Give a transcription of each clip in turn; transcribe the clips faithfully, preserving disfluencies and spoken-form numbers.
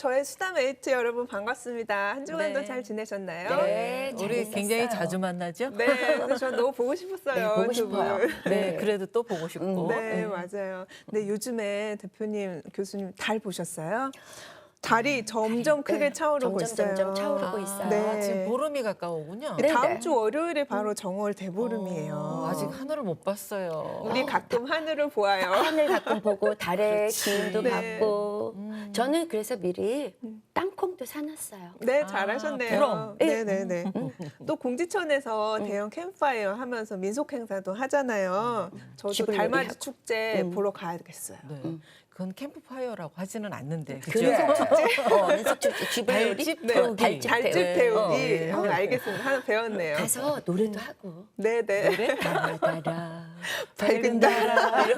저의 수다메이트 여러분 반갑습니다. 한 주간도 네. 잘 지내셨나요? 네, 잘 우리 있었어요. 굉장히 자주 만나죠? 네, 근데 저 너무 보고 싶었어요. 네, 보고 두 분. 싶어요. 네, 그래도 또 보고 싶고. 네, 맞아요. 근데 요즘에 대표님, 교수님 달 보셨어요? 달이 점점 크게 네, 차오르고 점점, 있어요. 점점 차오르고 있어요. 네. 아, 지금 보름이 가까우군요. 네. 다음 주 월요일에 바로 정월 대보름이에요. 어, 아직 하늘을 못 봤어요. 우리 가끔 하늘을 보아요. 하늘 가끔 보고 달의 기운도 네. 받고 음. 저는 그래서 미리 땅콩도 사놨어요. 네, 아, 잘하셨네요. 부럼. 네, 네, 네. 또 공지천에서 대형 캠프파이어 하면서 민속 행사도 하잖아요. 저도 쥐불놀이 달맞이 하고. 축제 음. 보러 가야겠어요. 네. 그건 캠프파이어라고 하지는 않는데. 그죠? 그래. 어, 민속축제 쥐불놀이 달집 네, 태우기. 달집 달집 네. 태우기. 어, 네. 어, 알겠습니다. 하나 배웠네요. 가서 노래도 하고 네, 네. 달달아 밝은 달.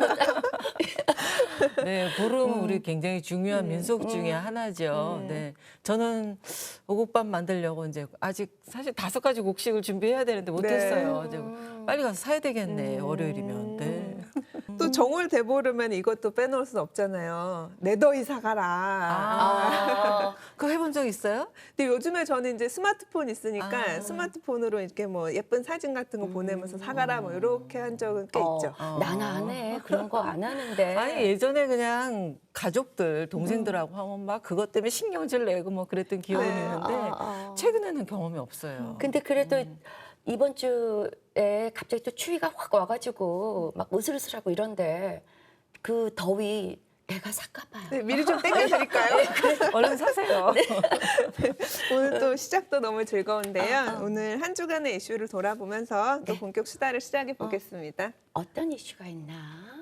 네, 보름은 우리 굉장히 중요한 민속 중에 하나죠. 네, 저는 오곡밥 만들려고 이제 아직 사실 다섯 가지 곡식을 준비해야 되는데 못했어요. 이제 빨리 가서 사야 되겠네. 월요일이면. 네. 또 정월 대보름엔 이것도 빼놓을 수 없잖아요. 내더위 사가라. 아, 그거 해본 적 있어요? 근데 요즘에 저는 이제 스마트폰 있으니까 아. 스마트폰으로 이렇게 뭐 예쁜 사진 같은 거 보내면서 사가라 뭐 이렇게 한 적은 꽤 있죠. 어, 나는 안 해. 그런 거 안 하는데. 아니 예전에 그냥 가족들 동생들하고 하면 막 그것 때문에 신경질 내고 뭐 그랬던 기억이 네. 있는데 아, 아. 최근에는 경험이 없어요. 근데 그래도 이번 주에 갑자기 또 추위가 확 와가지고 막 으슬으슬하고 이런데 그 더위 내가 살까 봐요. 네, 미리 좀 땡겨드릴까요? 얼른 사세요. 오늘 또 시작도 너무 즐거운데요. 오늘 한 주간의 이슈를 돌아보면서 또 본격 수다를 시작해 보겠습니다. 어떤 이슈가 있나?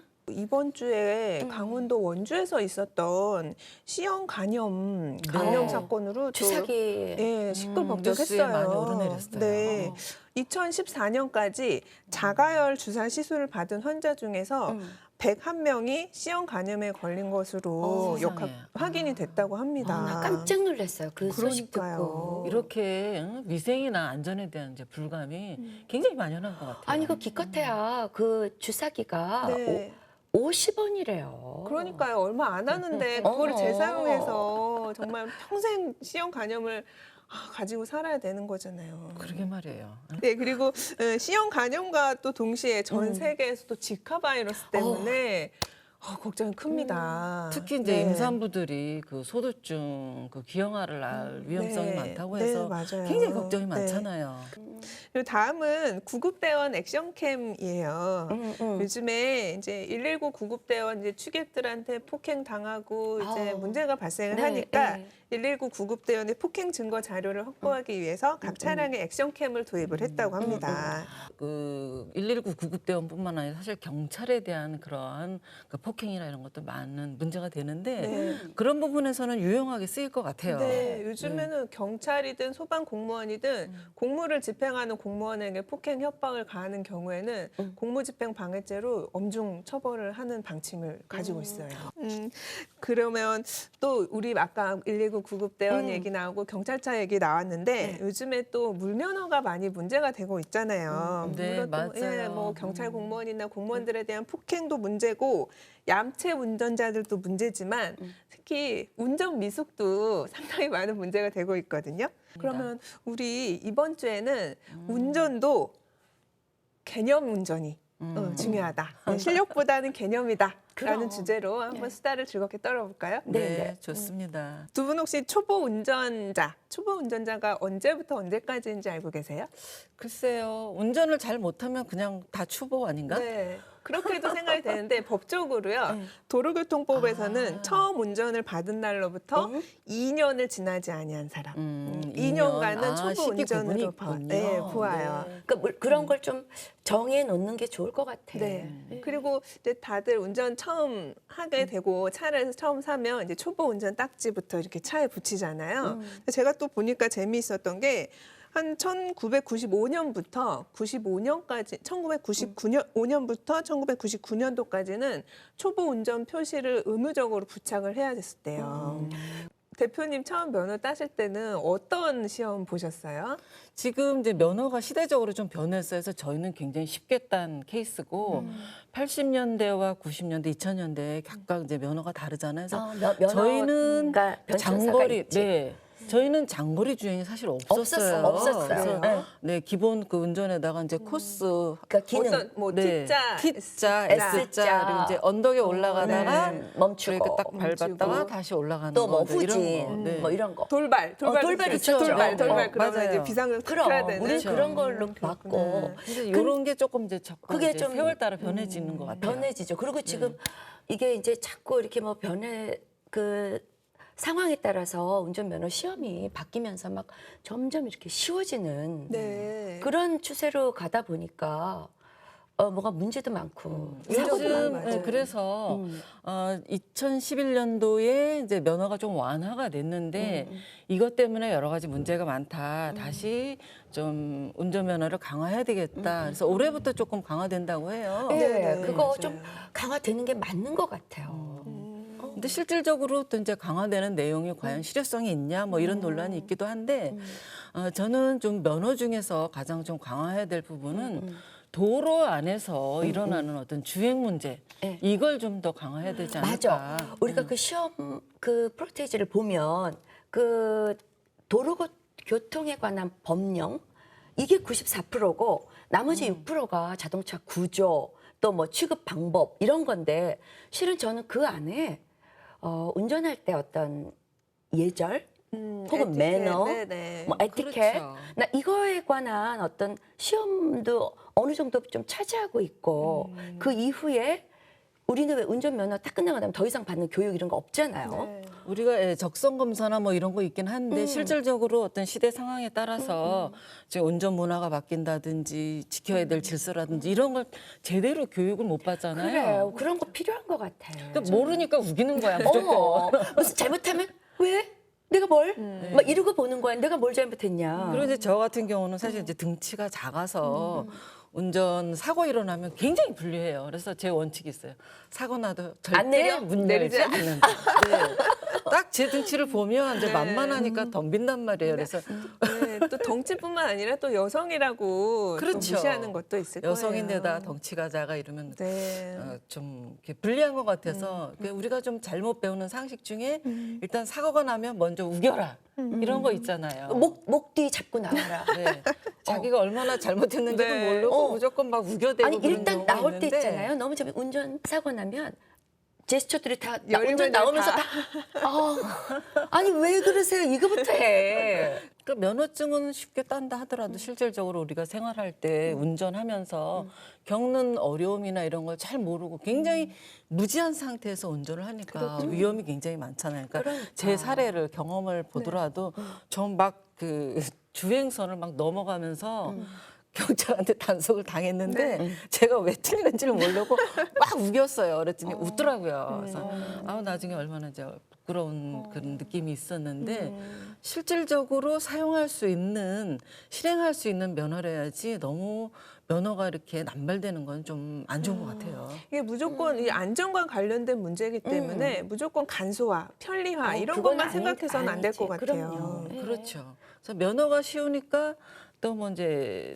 이번 주에 음. 강원도 원주에서 있었던 C형 간염 감염 네. 사건으로 또 주사기 예, 뉴스에 시끌벅적했어요. 많이 오르내렸어요. 네. 어. 이천십사 년까지 자가열 주사 시술을 받은 환자 중에서 음. 백일 명이 C형 간염에 걸린 것으로 어, 역학, 세상에. 확인이 됐다고 합니다. 아, 나 깜짝 놀랐어요. 그 소식 그러니까요. 듣고. 이렇게 응? 위생이나 안전에 대한 이제 불감이 굉장히 만연한 것 같아요. 아니 그 기껏해야 그 주사기가 네. 오십 원이래요. 그러니까요. 얼마 안 하는데 어. 그거를 재사용해서 정말 평생 C형 간염을 아, 가지고 살아야 되는 거잖아요. 그러게 말이에요. 응? 네, 그리고 어, C형 간염과 또 동시에 전 음. 세계에서도 지카 바이러스 때문에 어, 걱정이 큽니다. 특히 이제 네. 임산부들이 그 소두증, 그 기형아를 낳을 위험성이 네. 많다고 네, 해서 맞아요. 굉장히 걱정이 네. 많잖아요. 그리고 다음은 구급대원 액션캠이에요. 음, 음. 요즘에 이제 일일구 구급대원 이제 취객들한테 폭행 당하고 이제 아우. 문제가 발생을 네, 하니까 네. 일일구 구급대원의 폭행 증거 자료를 확보하기 위해서 각 차량에 액션캠을 도입을 했다고 합니다. 그 일일구 구급대원뿐만 아니라 사실 경찰에 대한 그러한 그 폭행이나 이런 것도 많은 문제가 되는데 네. 그런 부분에서는 유용하게 쓰일 것 같아요. 네, 요즘에는 경찰이든 소방 공무원이든 공무를 집행하는 공무원에게 폭행 협박을 가하는 경우에는 음. 공무집행 방해죄로 엄중 처벌을 하는 방침을 가지고 있어요. 음, 그러면 또 우리 아까 일일구 구급대원 음. 얘기 나오고 경찰차 얘기 나왔는데 네. 요즘에 또 물면허가 많이 문제가 되고 있잖아요. 음, 네, 물론 또, 맞아요. 예, 뭐 경찰 음. 공무원이나 공무원들에 대한 폭행도 문제고 얌체 운전자들도 문제지만 음. 특히 운전 미숙도 상당히 많은 문제가 되고 있거든요. 그러면 우리 이번 주에는 운전도 개념 운전이 어, 중요하다. 네, 실력보다는 개념이다. 라는 그럼. 주제로 한번 네. 수다를 즐겁게 떨어볼까요? 네, 네, 네. 좋습니다. 두 분 혹시 초보 운전자, 초보 운전자가 언제부터 언제까지인지 알고 계세요? 글쎄요, 운전을 잘 못하면 그냥 다 추보 아닌가? 네. 그렇게도 생각이 되는데 법적으로요. 네. 도로교통법에서는 아. 처음 운전을 받은 날로부터 음. 이 년을 지나지 아니한 사람. 음, 이 년간은 아, 초보 시기 운전으로 구분이 봐, 있군요. 네, 보아요. 네. 그 물- 그런 걸 좀 정해 놓는 게 좋을 것 같아. 네. 그리고 이제 다들 운전 처음 하게 되고 차를 처음 사면 이제 초보 운전 딱지부터 이렇게 차에 붙이잖아요. 제가 또 보니까 재미있었던 게 한 천구백구십오 년부터 구십오 년까지 천구백구십구 년 오 년부터 천구백구십구 년도까지는 초보 운전 표시를 의무적으로 부착을 해야 됐었대요. 대표님 처음 면허 따실 때는 어떤 시험 보셨어요? 지금 이제 면허가 시대적으로 좀 변했어요. 그래서 저희는 굉장히 쉽게 딴 케이스고 음. 팔십 년대와 구십 년대, 이천 년대 각각 이제 면허가 다르잖아요. 그래서 어, 면- 면허가 저희는 변천사가 장거리, 있지. 네. 저희는 장거리 주행이 사실 없었어요. 없었어, 없었어요. 그래서 네. 네, 기본 그 운전에다가 이제 코스 그러니까 기능 어떤 뭐 네, T자, T자, S자. S자 그리고 이제 언덕에 올라가다가 네, 멈추고. 이렇게 딱 밟았다가 멈추고. 다시 올라가는 또 뭐 거, 이제 후진 이런 거. 네. 뭐 이런 거. 돌발, 돌발, 어, 돌발 있어요. 있죠. 돌발, 어, 돌발 어, 그러면 맞아요. 이제 비상을 그럼 해야 되는. 우리 그렇죠. 그런 걸로 그렇구나. 받고 그래서 이런 게 조금 이제 자꾸 그게 이제 좀, 세월 따라 변해지는 것 같아요. 변해지죠. 그리고 지금 이게 이제 자꾸 이렇게 뭐 변해 그 상황에 따라서 운전면허 시험이 바뀌면서 막 점점 이렇게 쉬워지는 네. 그런 추세로 가다 보니까 어 뭐가 문제도 많고 사고도 요즘 많고. 네, 그래서 음. 어, 이천십일 년도에 이제 면허가 좀 완화가 됐는데 음. 이것 때문에 여러 가지 문제가 많다. 다시 좀 운전면허를 강화해야 되겠다. 그래서 올해부터 조금 강화된다고 해요. 네, 네, 그거 맞아요. 좀 강화되는 게 맞는 것 같아요. 근데 실질적으로 또 이제 강화되는 내용이 음. 과연 실효성이 있냐 뭐 이런 논란이 있기도 한데 어, 저는 좀 면허 중에서 가장 좀 강화해야 될 부분은 음, 도로 안에서 일어나는 어떤 주행 문제 네. 이걸 좀 더 강화해야 되지 않을까. 맞아. 우리가 그 시험 그 프로테이지를 보면 그 도로 교통에 관한 법령 이게 구십사 퍼센트고 나머지 육 퍼센트가 자동차 구조 또 뭐 취급 방법 이런 건데 실은 저는 그 안에 어, 운전할 때 어떤 예절 음, 혹은 에티켓, 매너, 네네. 뭐 에티켓 그렇죠. 나 이거에 관한 어떤 시험도 어느 정도 좀 차지하고 있고 그 이후에 우리는 왜 운전면허 딱 끝나고 나면 더 이상 받는 교육 이런 거 없잖아요. 네. 우리가 예, 적성 검사나 뭐 이런 거 있긴 한데 음. 실질적으로 어떤 시대 상황에 따라서 지금 운전 문화가 바뀐다든지 지켜야 될 질서라든지 이런 걸 제대로 교육을 못 받잖아요. 그래요. 그런 거 필요한 것 같아요. 그러니까 모르니까 우기는 거야 무조건. 어머, 무슨 잘못하면 왜? 내가 뭘? 막 이러고 보는 거야. 내가 뭘 잘못했냐. 그리고 이제 저 같은 경우는 사실 이제 등치가 작아서 운전 사고 일어나면 굉장히 불리해요. 그래서 제 원칙이 있어요. 사고 나도 절대 안 내려? 문 내리지 열지 않는다. 네. 딱 제 등치를 보면 이제 네. 만만하니까 덤빈단 말이에요. 그래서 네, 또 덩치뿐만 아니라 또 여성이라고 또 그렇죠. 무시하는 것도 있을 거예요. 여성인데다 덩치가 작아 이러면 네. 어, 좀 이렇게 불리한 것 같아서 그 우리가 좀 잘못 배우는 상식 중에 일단 사고가 나면 먼저 우겨라 이런 거 있잖아요. 목, 목 뒤 잡고 나와라. 네. 자기가 얼마나 잘못했는지도 네. 모르고 어. 무조건 막 우겨대고 아니 그런 일단 경우가 나올 때 있는데 있잖아요. 너무 좀 운전 사고 나면 제스처들이 다 나, 열매를 운전 나오면서 다. 다. 아, 아니 왜 그러세요? 이거부터 해. 그 면허증은 쉽게 딴다 하더라도 실질적으로 우리가 생활할 때 운전하면서 겪는 어려움이나 이런 걸 잘 모르고 굉장히 무지한 상태에서 운전을 하니까 위험이 굉장히 많잖아요. 그러니까, 그러니까. 제 사례를 경험을 보더라도 전 막 그 주행선을 막 넘어가면서 경찰한테 단속을 당했는데 제가 왜 틀리는지를 모르고 막 우겼어요. 그랬더니 웃더라고요. 그래서 아우 나중에 얼마나 이제 부끄러운 그런 느낌이 있었는데 실질적으로 사용할 수 있는 실행할 수 있는 면허래야지 너무 면허가 이렇게 남발되는 건 좀 안 좋은 것 같아요. 이게 무조건 이 안전과 관련된 문제이기 때문에 무조건 간소화, 편리화 어, 이런 그건 것만 아니- 생각해서는 안 될 것 아니지. 같아요. 그럼요. 네. 그렇죠. 그래서 면허가 쉬우니까 또 뭐 이제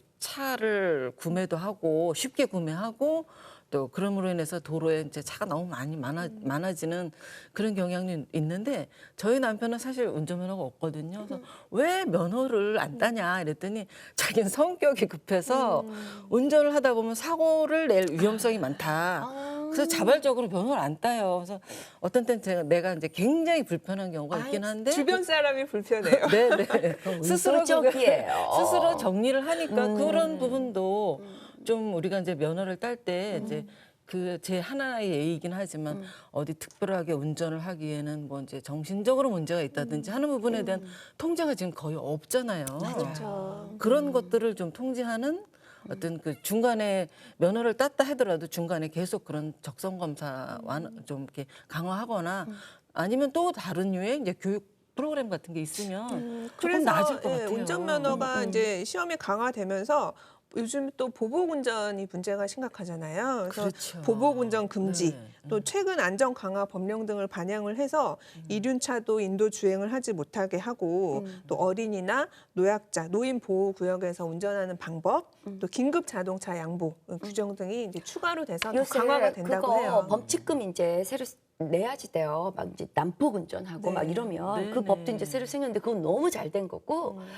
차를 구매도 하고 쉽게 구매하고 또 그럼으로 인해서 도로에 이제 차가 너무 많이 많아, 많아지는 그런 경향이 있는데 저희 남편은 사실 운전면허가 없거든요. 그래서 왜 면허를 안 따냐 이랬더니 자기는 성격이 급해서 운전을 하다 보면 사고를 낼 위험성이 많다. 그래서 자발적으로 면허를 안 따요. 그래서 어떤 때는 제가 내가 이제 굉장히 불편한 경우가 있긴 한데 주변 사람이 불편해요. 네네 스스로 그게- 의도적이에요. 스스로 정리를 하니까 음. 그런 부분도 좀 우리가 이제 면허를 딸 때 음. 이제 그 제 하나의 예의이긴 하지만 어디 특별하게 운전을 하기에는 뭐 이제 정신적으로 문제가 있다든지 음. 하는 부분에 대한 통제가 지금 거의 없잖아요. 그렇죠. 그런 것들을 좀 통제하는 어떤 그 중간에 면허를 땄다 하더라도 중간에 계속 그런 적성 검사 완- 좀 이렇게 강화하거나 아니면 또 다른 유의 이제 교육 프로그램 같은 게 있으면 조금 그래서 나아질 것 예, 같아요. 운전면허가 음, 음. 이제 시험이 강화되면서 요즘 또 보복운전이 문제가 심각하잖아요. 그래서 그렇죠. 보복운전 금지, 네. 또 최근 안전 강화 법령 등을 반영을 해서 이륜차도 인도 주행을 하지 못하게 하고 음. 또 어린이나 노약자, 노인 보호 구역에서 운전하는 방법, 음. 또 긴급 자동차 양보 규정 등이 이제 추가로 돼서 더 요새 강화가 된다고 그거 해요. 범칙금 이제 새로 내야지 돼요. 막 이제 난폭 운전하고 네. 막 이러면 그 네네. 법도 이제 새로 생겼는데 그건 너무 잘 된 거고 음.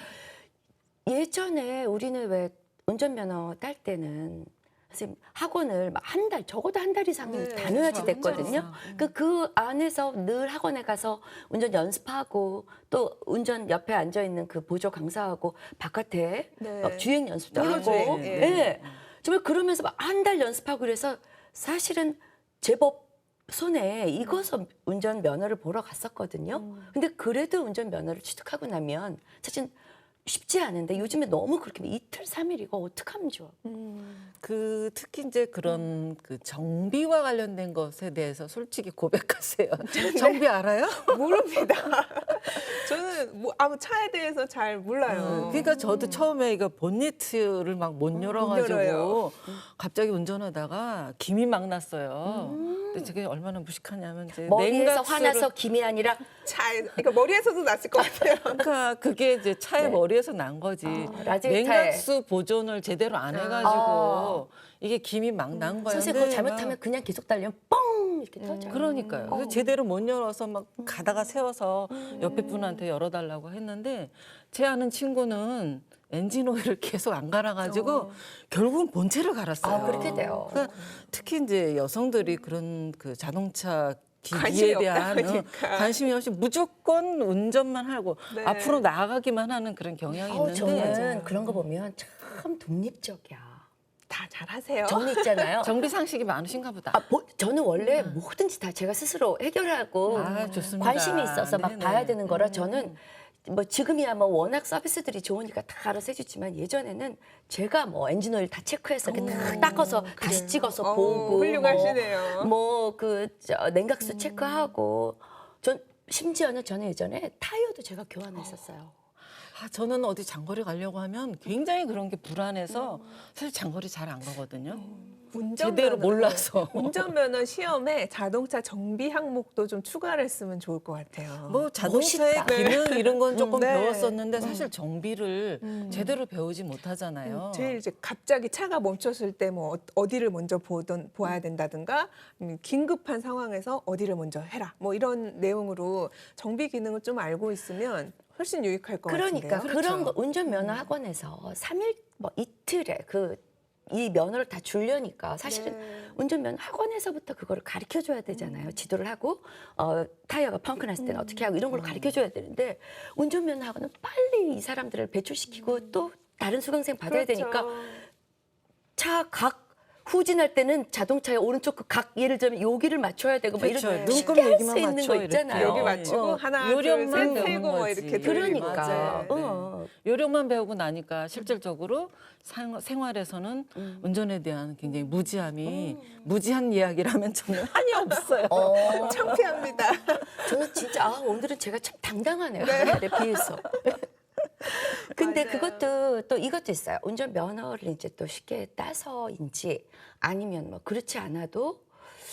예전에 우리는 왜 운전면허 딸 때는 선생님 학원을 막 한 달, 적어도 한 달 이상은 네, 다녀야지 그렇죠. 됐거든요. 한 달 이상. 그, 그 안에서 늘 학원에 가서 운전 연습하고 또 운전 옆에 앉아 있는 그 보조 강사하고 바깥에 네. 막 주행 연습도 도로 하고, 주행, 예. 예. 네. 정말 그러면서 막 한 달 연습하고 그래서 사실은 제법 손에 익어서 운전 면허를 보러 갔었거든요. 음. 근데 그래도 운전 면허를 취득하고 나면 사실 쉽지 않은데 요즘에 너무 그렇게 이틀 삼일 이거 어떡하면 좋아. 음. 그 특히 이제 그런 그 정비와 관련된 것에 대해서 솔직히 고백하세요. 정비 알아요? 모릅니다. 저는 뭐 아무 차에 대해서 잘 몰라요. 그러니까 저도 처음에 이거 본니트를 막 못 열어가지고 열어요. 갑자기 운전하다가 김이 막 났어요. 근데 저게 얼마나 무식하냐면 이제 머리에서 냉각수를- 화나서 김이 아니라 차에, 그러니까 머리에서도 났을 것 같아요. 그러니까 그게 이제 차의 네. 머리에서 난 거지. 아, 라지타에. 냉각수 보존을 제대로 안 해가지고 아. 이게 김이 막 난 거예요. 선생님 그거 잘못하면 그냥 계속 달리면 뻥 이렇게 터져. 그러니까요. 그래서 제대로 못 열어서 막 가다가 세워서 옆에 분한테 열어달라고 했는데 제 아는 친구는 엔진 오일을 계속 안 갈아가지고 결국은 본체를 갈았어요. 아, 그렇게 돼요. 그러니까 특히 이제 여성들이 그런 그 자동차 관심이 기기에 없다 대한 어, 보니까. 관심이 없이 무조건 운전만 하고 네. 앞으로 나아가기만 하는 그런 경향이 어, 있는데 저는 그런 거 보면 참 독립적이야. 다 잘하세요. 저는 있잖아요. 정비 상식이 많으신가 보다. 아, 뭐, 저는 원래 뭐든지 다 제가 스스로 해결하고 아, 좋습니다. 관심이 있어서 막 네네. 봐야 되는 거라 저는 뭐 지금이야 뭐 워낙 서비스들이 좋으니까 다 알아서 해주지만 예전에는 제가 뭐 엔진오일 다 체크해서 이렇게 다 닦아서 다시 찍어서 어, 보고 훌륭하시네요. 뭐그 냉각수 체크하고 전 심지어는 저는 예전에 타이어도 제가 교환했었어요. 아, 저는 어디 장거리 가려고 하면 굉장히 그런 게 불안해서 사실 장거리 잘 안 가거든요. 운전면허, 제대로 몰라서. 운전면허 시험에 자동차 정비 항목도 좀 추가를 했으면 좋을 것 같아요. 뭐 자동차의 멋있다. 기능 이런 건 조금 네. 배웠었는데 사실 정비를 제대로 배우지 못하잖아요. 제일 이제 갑자기 차가 멈췄을 때 뭐 어디를 먼저 보던 보아야 된다든가 음, 긴급한 상황에서 어디를 먼저 해라 뭐 이런 내용으로 정비 기능을 좀 알고 있으면 훨씬 유익할 것 그러니까 같은데요. 그런 거 운전면허 학원에서 삼 일 뭐 이틀에 그 이 면허를 다 주려니까 사실은 네. 운전면허 학원에서부터 그거를 가르쳐 줘야 되잖아요. 지도를 하고 어, 타이어가 펑크 났을 때는 어떻게 하고 이런 걸 가르쳐 줘야 되는데 운전면허 학원은 빨리 이 사람들을 배출시키고 또 다른 수강생 받아야 그렇죠. 되니까 차 각 후진할 때는 자동차의 오른쪽 그 각 예를 들면 여기를 맞춰야 되고 뭐 그렇죠. 이런 눈금 쉽게 할 여기만 수 있는 맞춰, 거 이렇게. 있잖아요. 여기 맞추고 어, 하나 요령만 둘셋 배우는 세고 뭐 거지. 이렇게 그러니까 맞아요. 네. 어. 요령만 배우고 나니까 실질적으로 상- 생활에서는 음. 운전에 대한 굉장히 무지함이 무지한 이야기라면 저는 한이 없어요. 어. 창피합니다. 저는 진짜 아, 오늘은 제가 참 당당하네요. 옛날에 비해서. 근데 맞아요. 그것도 또 이것도 있어요. 운전 면허를 이제 또 쉽게 따서인지 아니면 뭐 그렇지 않아도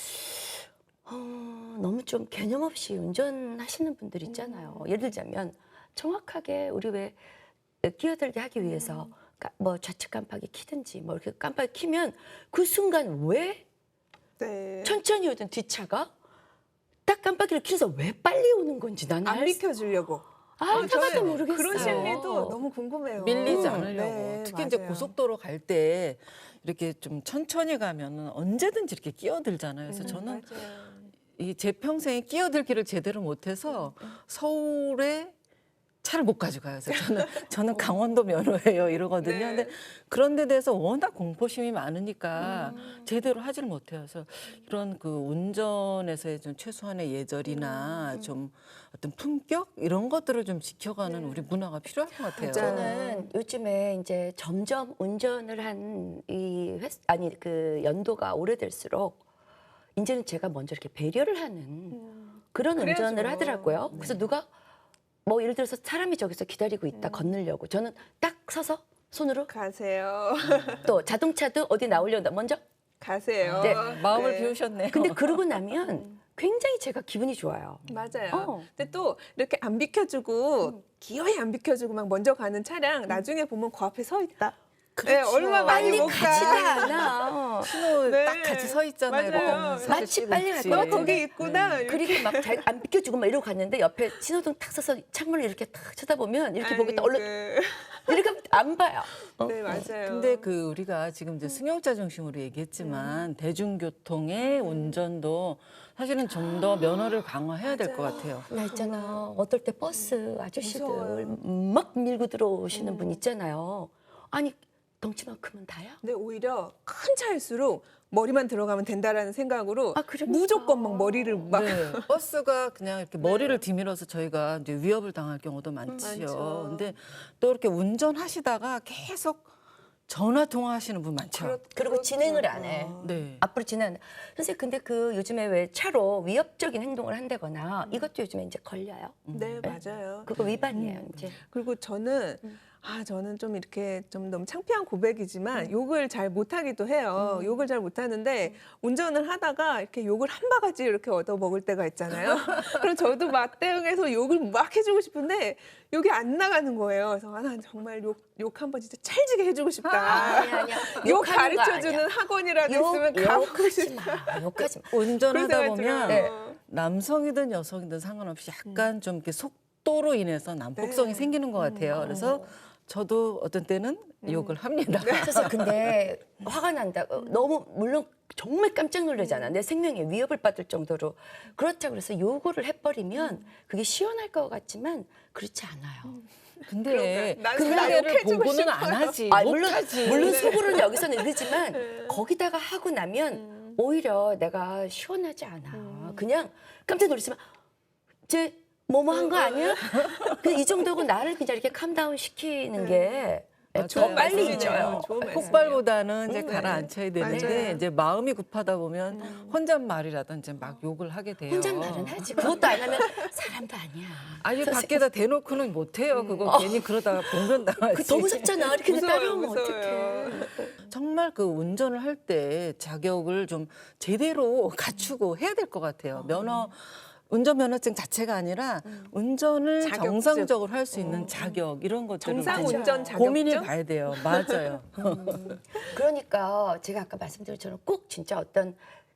어, 너무 좀 개념 없이 운전하시는 분들 있잖아요. 예를 들자면 정확하게 우리 왜 끼어들게 하기 위해서 까- 뭐 좌측 깜빡이 키든지 뭐 이렇게 깜빡이 키면 그 순간 왜 네. 천천히 오던 뒷차가 딱 깜빡이를 켜서 왜 빨리 오는 건지 나는 안 알 수- 비켜주려고. 아, 저는 하나도 모르겠어요. 그런 심리도 너무 궁금해요. 밀리지 음, 않으려고. 네, 특히 이제 맞아요. 고속도로 갈 때 이렇게 좀 천천히 가면은 언제든지 이렇게 끼어들잖아요. 그래서 음, 저는 맞아요. 이 제 평생에 끼어들기를 제대로 못해서 서울에 차를 못 가져가요. 그래서 저는 저는 강원도 면허예요 이러거든요. 네. 근데 그런 데 대해서 워낙 공포심이 많으니까 제대로 하지를 못해요. 그래서 이런 그 운전에서의 좀 최소한의 예절이나 좀 어떤 품격 이런 것들을 좀 지켜가는 우리 문화가 필요할 것 같아요. 저는 요즘에 이제 점점 운전을 한 이 횟 아니 그 연도가 오래될수록 이제는 제가 먼저 이렇게 배려를 하는 그런 그래야죠. 운전을 하더라고요. 그래서 누가 뭐 예를 들어서 사람이 저기서 기다리고 있다 건너려고 저는 딱 서서 손으로 가세요. 또 자동차도 어디 나오려다 먼저 가세요. 네. 마음을 네. 비우셨네요. 근데 그러고 나면 굉장히 제가 기분이 좋아요. 맞아요. 어. 근데 또 이렇게 안 비켜주고 기어이 안 비켜주고 막 먼저 가는 차량 나중에 보면 그 앞에 서 있다. 네, 얼마 많이 빨리 못 가지도 가. 않아. 신호 네. 딱 같이 서 있잖아요. 맞아요. 이렇게 사진 마치 찍을 빨리 갈 때. 것 너 같은데. 거기 있구나. 이렇게. 그리고 막 안 비켜주고 막 이러고 갔는데 옆에 신호등 탁 서서 창문을 이렇게 탁 쳐다보면 이렇게 보겠다 얼른 아이고. 이렇게 하면 안 봐요. 어? 네, 맞아요. 근데 그 우리가 지금 이제 승용차 중심으로 얘기했지만 대중교통의 운전도 사실은 좀 더 면허를 강화해야 될 것 같아요. 나 있잖아. 어떨 때 버스 아저씨들 무서워요. 막 밀고 들어오시는 분 있잖아요. 아니 덩치만큼은 다야? 근데 오히려 큰 차일수록 머리만 들어가면 된다라는 생각으로 아, 그러니까. 무조건 막 머리를 막 네, 버스가 그냥 이렇게 머리를 뒤밀어서 저희가 이제 위협을 당할 경우도 많지요. 많죠. 근데 또 이렇게 운전하시다가 계속 전화 통화하시는 분 많죠. 그렇- 그리고 진행을 안 해. 네. 앞으로 진행. 선생님 근데 그 요즘에 왜 차로 위협적인 행동을 한다거나 이것도 요즘에 이제 걸려요. 네, 맞아요. 그거 위반이에요 이제. 그리고 저는 아 저는 좀 이렇게 좀 너무 창피한 고백이지만 욕을 잘 못하기도 해요. 욕을 잘 못하는데 운전을 하다가 이렇게 욕을 한 바가지 이렇게 얻어 먹을 때가 있잖아요. 그럼 저도 맞대응해서 욕을 막 해주고 싶은데 욕이 안 나가는 거예요. 그래서 아, 난 정말 욕 욕 한 번 진짜 찰지게 해주고 싶다. 아니야 아니야. 욕 욕하는 거 가르쳐주는 아니야. 학원이라도 욕, 있으면 가보고 욕하지 싶다. 마. 욕하지 마. 운전하다 그런 보면 생각이 들어요. 남성이든 여성이든 상관없이 약간 좀 이렇게 속도로 인해서 난폭성이 네. 생기는 것 같아요. 그래서 저도 어떤 때는 욕을 합니다. 그래서 근데 화가 난다. 어, 너무 물론 정말 깜짝 놀라잖아. 내 생명에 위협을 받을 정도로. 그렇다고 그래서 요구를 해버리면 그게 시원할 것 같지만 그렇지 않아요. 근데 그러니까. 난 그 나 상대를 욕해주고 보고는 안 싶어요. 하지. 아, 물론 못하지. 물론 속으로는 여기서는 이러지만 거기다가 하고 나면 오히려 내가 시원하지 않아. 그냥 깜짝 놀랐지만 쟤 뭐뭐 한 거 아니야? 그냥 이 정도고 나를 그냥 이렇게 캄다운 시키는 게 더 맞아요. 빨리 말씀이네요. 잊어요. 좋은 말씀이에요. 폭발보다는 이제 음, 가라앉혀야 되는데 맞아요. 이제 마음이 급하다 보면 혼잣말이라든지 막 욕을 하게 돼요. 혼잣말은 하지. 그것도 안 하면 사람도 아니야. 아니 밖에다 대놓고는 못해요. 그거 괜히 그러다가 공변당하지. 그 더 무섭잖아. 이렇게 무서워요, 따라오면 무서워요. 어떡해. 정말 그 운전을 할 때 자격을 좀 제대로 갖추고 해야 될 것 같아요. 면허 운전면허증 자체가 아니라 운전을 자격증. 정상적으로 할 수 있는 자격 이런 것들을 정상 좀 운전 자격증 고민해 봐야 돼요. 맞아요. 그러니까 제가 아까 말씀드린 것처럼 꼭 진짜 어떤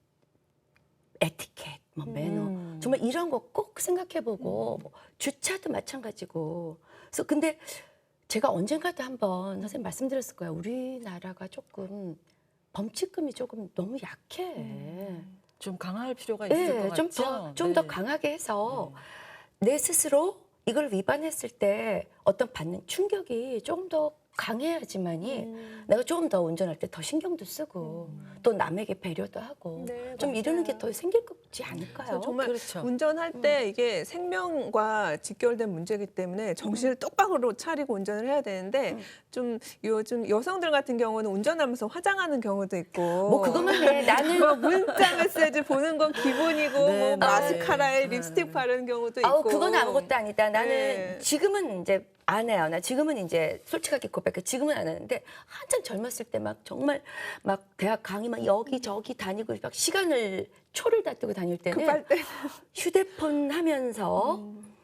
에티켓, 뭐 매너, 음. 정말 이런 거 꼭 생각해보고 뭐 주차도 마찬가지고. 그래서 근데 제가 언젠가도 한번 선생님 말씀드렸을 거예요. 우리나라가 조금 범칙금이 조금 너무 약해. 좀 강할 필요가 있을 것 네, 같죠. 좀 더 좀 더 네. 강하게 해서 내 스스로 이걸 위반했을 때 어떤 받는 충격이 조금 더 강해야지만이 음. 내가 조금 더 운전할 때 더 신경도 쓰고 또 남에게 배려도 하고 네, 좀 이러는 게 맞아요. 더 생길 거지 않을까요? 그래서 정말 그렇죠. 운전할 때 이게 생명과 직결된 문제이기 때문에 정신을 똑바로 차리고 운전을 해야 되는데 좀 요즘 여성들 같은 경우는 운전하면서 화장하는 경우도 있고 뭐 그것만 해. 나는 뭐 문자 메시지 보는 건 기본이고 네, 뭐 네. 마스카라에 네. 립스틱 바르는 경우도 있고 아우 그건 아무것도 아니다. 나는 네. 지금은 이제 안 해요. 나 지금은 이제 솔직하게 고백해. 지금은 안 하는데 한참 젊었을 때 막 정말 막 대학 강의 막 여기 저기 다니고 막 시간을 초를 다투고 다닐 때는 급할 때 휴대폰 하면서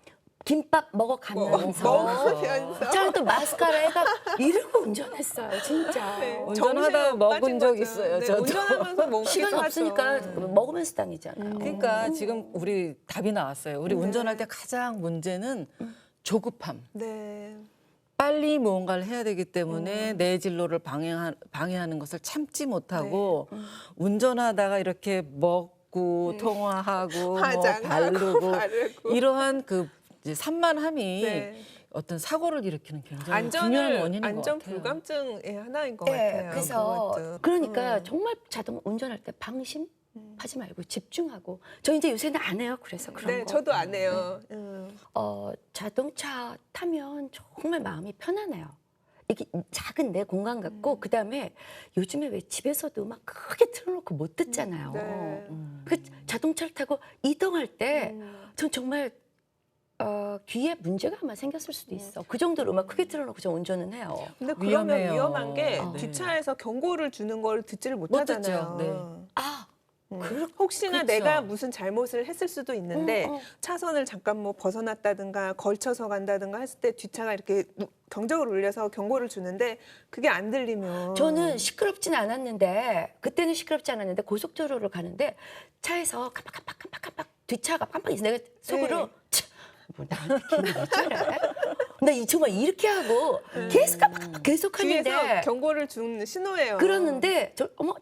김밥 먹어가면서 먹으면서 저는 또 마스카라 해가 이러고 운전했어요. 진짜. 네, 운전하다 정신이 먹은 빠진 적 거죠. 있어요, 네, 저도. 운전하면서 먹기도 시간 하죠. 없으니까 먹으면서 다니잖아요. 그러니까 지금 우리 답이 나왔어요. 우리 운전할 때 가장 문제는 조급함. 네. 빨리 무언가를 해야 되기 때문에 내 진로를 방해하, 방해하는 것을 참지 못하고 운전하다가 이렇게 먹고 통화하고 뭐 화장하고 바르고 바르고. 이러한 그 이제 산만함이 네. 어떤 사고를 일으키는 굉장히 중요한 안전을 원인인 안전 것 같아요. 불감증의 하나인 것 네, 같아요. 그래서 그것도. 그러니까 음. 정말 자동 운전할 때 방심 하지 말고 집중하고 저 이제 요새는 안 해요. 그래서 그런 네, 거. 저도 안 해요. 음. 어, 자동차 타면 정말 마음이 편안해요. 이게 작은 내 공간 같고 음. 그다음에 요즘에 왜 집에서도 음악 크게 틀어놓고 못 듣잖아요. 네. 그 자동차를 타고 이동할 때 음. 전 정말 어, 귀에 문제가 아마 생겼을 수도 있어. 그 정도로 음악 크게 틀어놓고 저 운전은 해요. 근데 그러면 위험해요. 위험한 게 네. 뒷차에서 경고를 주는 걸 듣지를 못 못하잖아요. 듣죠. 네. 아, 음. 그렇- 혹시나 그쵸. 내가 무슨 잘못을 했을 수도 있는데 음, 어. 차선을 잠깐 뭐 벗어났다든가 걸쳐서 간다든가 했을 때 뒷차가 이렇게 누- 경적을 울려서 경고를 주는데 그게 안 들리면 저는 시끄럽진 않았는데 그때는 시끄럽지 않았는데 고속도로를 가는데 차에서 깜빡깜빡깜빡깜빡 뒷차가 깜빡 있어. 내가 속으로 네. 차, 뭐 나한테 괜히 왜 저래? 나 이 정말 이렇게 하고 계속 깜빡 계속 뒤에서 하는데 경고를 준 신호예요. 그러는데 저 어머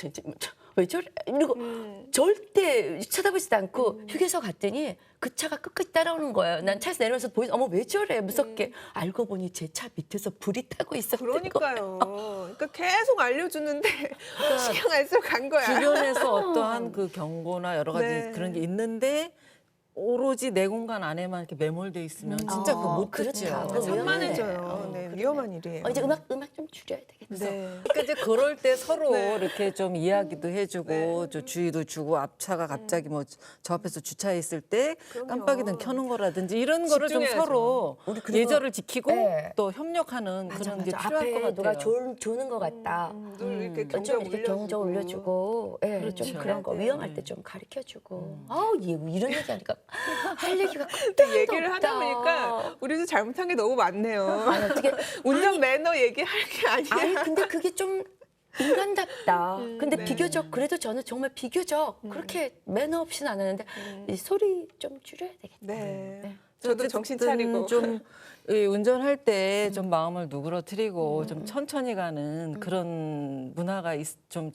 참저왜 저래? 이러고 음. 절대 쳐다보지도 않고 휴게소 갔더니 그 차가 끝까지 따라오는 거예요. 난 차에서 내려와서 보이 어머 왜 저래 무섭게 알고 보니 제 차 밑에서 불이 타고 있었던 거예요. 그러니까요. 그러니까 계속 알려주는데 신경 안 쓰고 간 거야. 주변에서 어떠한 그 경고나 여러 가지 네. 그런 게 있는데 오로지 내 공간 안에만 이렇게 매몰돼 있으면 진짜 그거 못 그렇다. 듣죠. 그거 산만해져요. 어, 네, 그러네. 위험한 일이에요. 어, 이제 음악 음악 좀 줄여야 되겠어. 네. 그러니까 이제 그럴 때 서로 네. 이렇게 좀 이야기도 해주고 네. 저 주의도 주고 앞차가 갑자기 뭐 저 앞에서 주차해 있을 때 그럼요. 깜빡이등 켜는 거라든지 이런 거를 좀 집중해야죠. 서로 우리 그리고- 예절을 지키고 네. 또 협력하는 맞아, 그런 맞아. 게 필요할 앞에 것 같아요. 누가 졸, 조는 것 같다. 음, 늘 이렇게 음. 경적 좀 이렇게 올려주고. 경적 올려주고, 예, 그렇죠. 좀 그런 거 네. 위험할 때 좀 가르쳐주고. 아우 얘 이런 얘기하니까 할 얘기가 근데 끝도 얘기를 하다 없다. 보니까 우리도 잘못한 게 너무 많네요. 아니 어떻게? 운전 매너 얘기할 게 아니야. 아니 근데 그게 좀 인간답다. 음, 근데 네. 비교적 그래도 저는 정말 비교적 그렇게 매너 없이는 안 하는데 이 소리 좀 줄여야 되겠다. 네. 네. 저도 정신 어쨌든 차리고. 좀 이 운전할 때 좀 마음을 누그러뜨리고 좀 천천히 가는 그런 문화가 있- 좀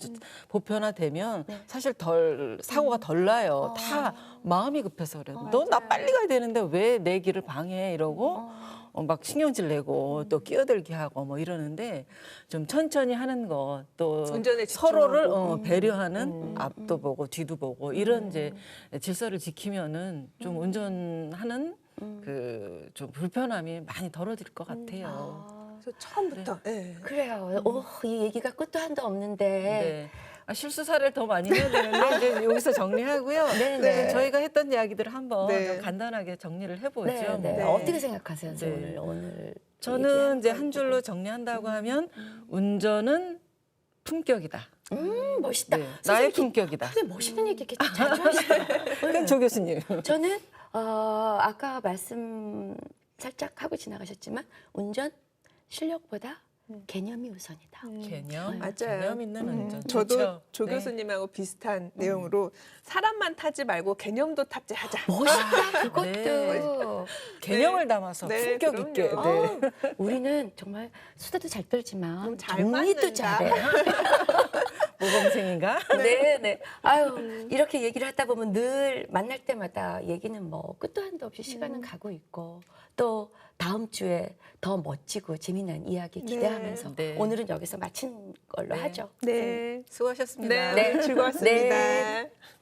보편화되면 네. 사실 덜 사고가 덜 나요. 어. 다 마음이 급해서 그래요. 어, 너 나 맞아요. 빨리 가야 되는데 왜 내 길을 방해해 이러고 어. 어, 막 신경질 내고 또 끼어들게 하고 뭐 이러는데 좀 천천히 하는 것 또 운전에 서로를 집중하고. 어, 배려하는 음. 앞도 보고 뒤도 보고 이런 이제 질서를 지키면은 좀 운전하는 그 좀 불편함이 많이 덜어질 것 같아요. 아, 그래서 처음부터. 네. 그래요. 오, 이 얘기가 끝도 한도 없는데. 네. 아, 실수 사례를 더 많이 해야 되는데 이제 여기서 정리하고요. 네, 네. 네, 저희가 했던 이야기들을 한번 네. 좀 간단하게 정리를 해보죠. 네, 네. 네. 어떻게 생각하세요, 네. 오늘 오늘? 저는 얘기한 이제 거 한 줄로 정리한다고 하면 운전은 품격이다. 음, 멋있다. 네, 선생님 나의 이렇게- 품격이다. 선생님 멋있는 얘기 이렇게 자주 하시더라고요. 그럼 조 교수님. 저는 어, 아까 말씀 살짝 하고 지나가셨지만 운전 실력보다 개념이 우선이다. 개념, 맞아요. 개념 있는 음, 운전. 저도 좋죠. 조 네. 교수님하고 비슷한 내용으로 사람만 타지 말고 개념도 탑재하자. 멋있다 그것도. 네. 개념을 담아서 네, 품격 그럼요. 있게. 네. 어, 우리는 정말 수다도 잘 떨지만 너무 잘 정리도 맞는다. 잘해. 모범생인가? 네, 네. 아유, 이렇게 얘기를 하다 보면 늘 만날 때마다 얘기는 뭐 끝도 한도 없이 시간은 가고 있고 또 다음 주에 더 멋지고 재미난 이야기 기대하면서 네. 오늘은 여기서 마친 걸로 네. 하죠. 네. 수고하셨습니다. 네, 즐거웠습니다. 네.